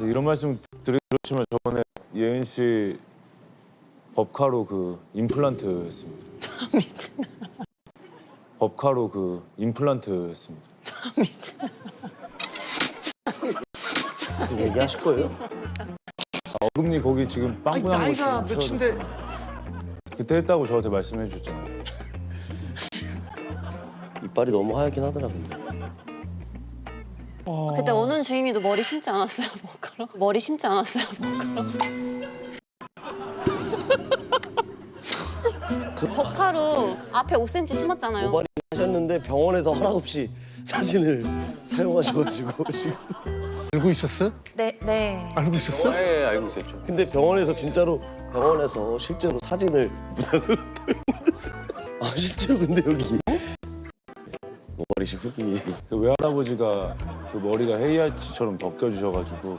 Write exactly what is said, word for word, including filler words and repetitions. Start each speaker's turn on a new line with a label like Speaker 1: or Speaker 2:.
Speaker 1: 이런 말씀 드리지만 저번에 예은 씨 법카로 그 임플란트 했습니다.
Speaker 2: 미친.
Speaker 1: 법카로 그 임플란트 했습니다.
Speaker 2: 미친.
Speaker 3: 얘기하실 거예요?
Speaker 1: 어금니 거기 지금
Speaker 4: 아니,
Speaker 1: 빵꾸난 거
Speaker 4: 나이가
Speaker 1: 좀
Speaker 4: 몇인데
Speaker 1: 그때 했다고 저한테 말씀해 주셨잖아요.
Speaker 3: 이빨이 너무 하얗긴 하더라 근데.
Speaker 2: 그때 오는 주임이도 머리 심지 않았어요, 머카로? 머리 심지 않았어요, 머카로? 그 버카로 앞에 오 센티미터 심었잖아요.
Speaker 3: 모발이 하셨는데 병원에서 허락 없이 사진을 사용하셔가지고 지금.
Speaker 4: 알고 있었어?
Speaker 2: 네, 네.
Speaker 4: 알고 있었어?
Speaker 5: 네, 알고 있었죠.
Speaker 3: 근데 병원에서 진짜로 병원에서 실제로 사진을 무단으로 도용했어요. 아 실제로 근데 여기 모발이시 흙이
Speaker 1: 그 외할아버지가 그 머리가 헤이아치처럼 벗겨주셔가지고